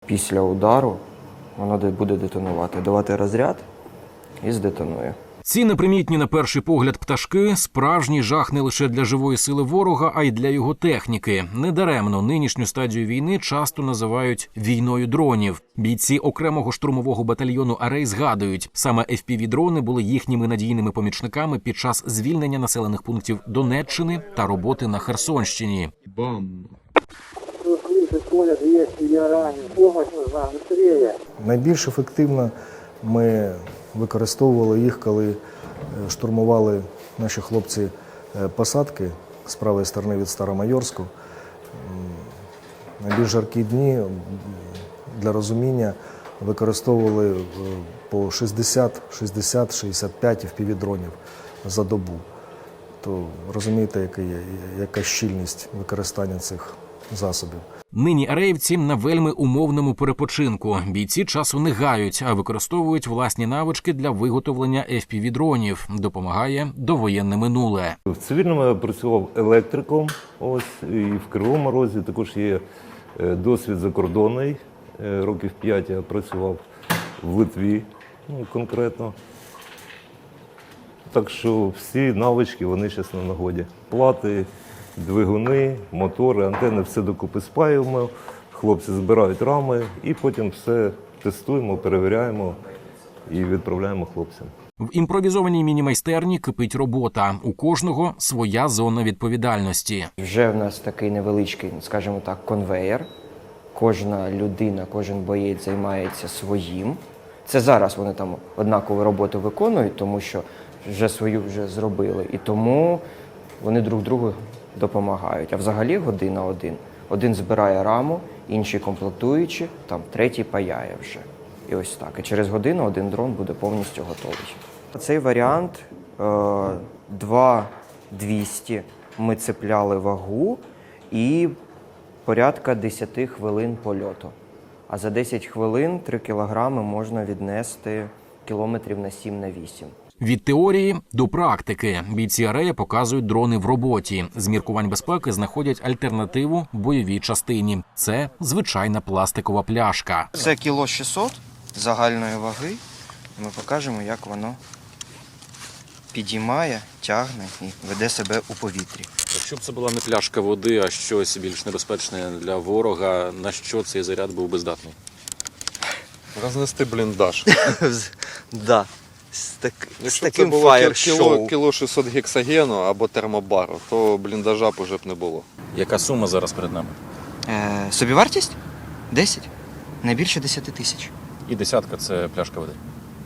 після удару воно буде детонувати, давати розряд і здетонує. Ці непримітні на перший погляд пташки – справжній жах не лише для живої сили ворога, а й для його техніки. Недаремно нинішню стадію війни часто називають «війною дронів». Бійці окремого штурмового батальйону «Арей» згадують, саме FPV-дрони були їхніми надійними помічниками під час звільнення населених пунктів Донеччини та роботи на Херсонщині. Бам! Найбільш ефективно ми використовували їх, коли штурмували наші хлопці посадки з правої сторони від Старомайорську. Найбільш жаркі дні, для розуміння, використовували по 60-65 FPV-дронів за добу. То розумієте, яка щільність використання цих засобів. Нині ареївці на вельми умовному перепочинку. Бійці часу не гають, а використовують власні навички для виготовлення FPV-дронів. Допомагає довоєнне минуле. В цивільному я працював електриком, і в Кривому Розі також є досвід закордонний. Років 5 я працював в Литві, конкретно. Так що всі навички, вони зараз на нагоді. Плати, двигуни, мотори, антени, все докупи спаюємо, хлопці збирають рами і потім все тестуємо, перевіряємо і відправляємо хлопцям. В імпровізованій міні-майстерні кипить робота. У кожного своя зона відповідальності. Вже в нас такий невеличкий, скажімо так, конвеєр. Кожна людина, кожен боєць займається своїм. Це зараз вони там однакову роботу виконують, тому що вже свою зробили. І тому вони друг другу допомагають. А взагалі година один. Один збирає раму, інші комплектуючі, там третій паяє вже. І ось так. І через годину один дрон буде повністю готовий. Цей варіант 2-200 ми цепляли вагу і порядка 10 хвилин польоту. А за 10 хвилин 3 кілограми можна віднести кілометрів на 7-8. Від теорії до практики. Бійці Арея показують дрони в роботі. З міркувань безпеки знаходять альтернативу бойовій частині. Це звичайна пластикова пляшка. Це 600 кг загальної ваги. Ми покажемо, як воно підіймає, тягне і веде себе у повітрі. Якщо б це була не пляшка води, а щось більш небезпечне для ворога, на що цей заряд був би здатний? Рознести бліндаж. Да. Якщо б це було кіло 600 гексагену або термобару, то бліндажа б уже б не було. Яка сума зараз перед нами? Собівартість? 10. Не більше 10 тисяч. І десятка – це пляшка води.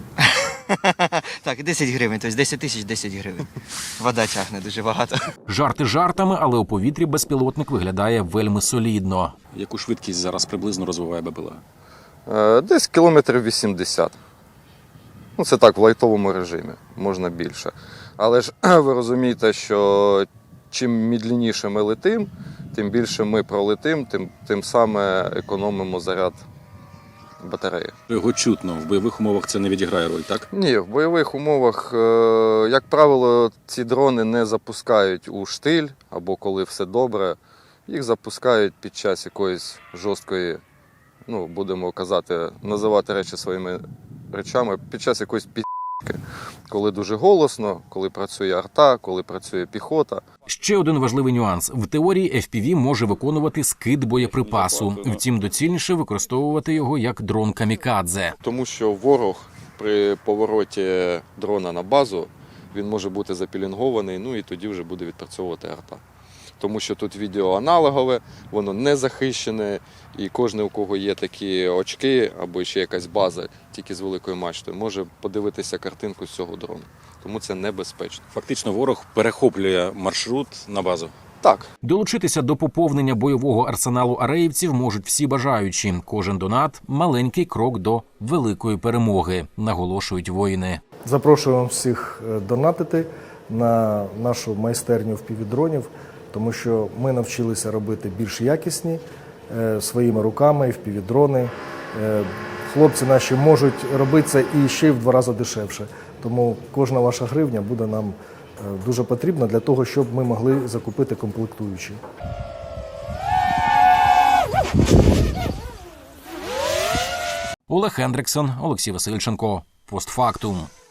Так, 10 гривень, тобто 10 тисяч 10 гривень. Вода тягне дуже багато. Жарти жартами, але у повітрі безпілотник виглядає вельми солідно. Яку швидкість зараз приблизно розвиває БПЛА? Десь кілометрів 80. Це так, в лайтовому режимі, можна більше. Але ж ви розумієте, що чим медленніше ми летим, тим більше ми пролетим, тим саме економимо заряд батареї. Його чутно. В бойових умовах це не відіграє роль, так? Ні, в бойових умовах, як правило, ці дрони не запускають у штиль або коли все добре. Їх запускають під час якоїсь жорсткої, будемо казати, називати речі своїми речами, під час якоїсь під'їки, коли дуже голосно, коли працює арта, коли працює піхота. Ще один важливий нюанс. В теорії FPV може виконувати скид боєприпасу. Втім, доцільніше використовувати його як дрон-камікадзе. Тому що ворог при повороті дрона на базу, він може бути запілінгований, і тоді вже буде відпрацьовувати арта. Тому що тут відео аналогове, воно не захищене, і кожен, у кого є такі очки або ще якась база, тільки з великою мачтою, може подивитися картинку з цього дрону. Тому це небезпечно. Фактично ворог перехоплює маршрут на базу. Так. Долучитися до поповнення бойового арсеналу ареївців можуть всі бажаючі. Кожен донат – маленький крок до великої перемоги, наголошують воїни. Запрошуємо всіх донатити на нашу майстерню FPV-дронів, тому що ми навчилися робити більш якісні своїми руками, FPV-дрони. Хлопці наші можуть робити це і ще й в 2 рази дешевше. Тому кожна ваша гривня буде нам дуже потрібна для того, щоб ми могли закупити комплектуючі. Олег Хендриксон, Олексій Васильченко. Постфактум.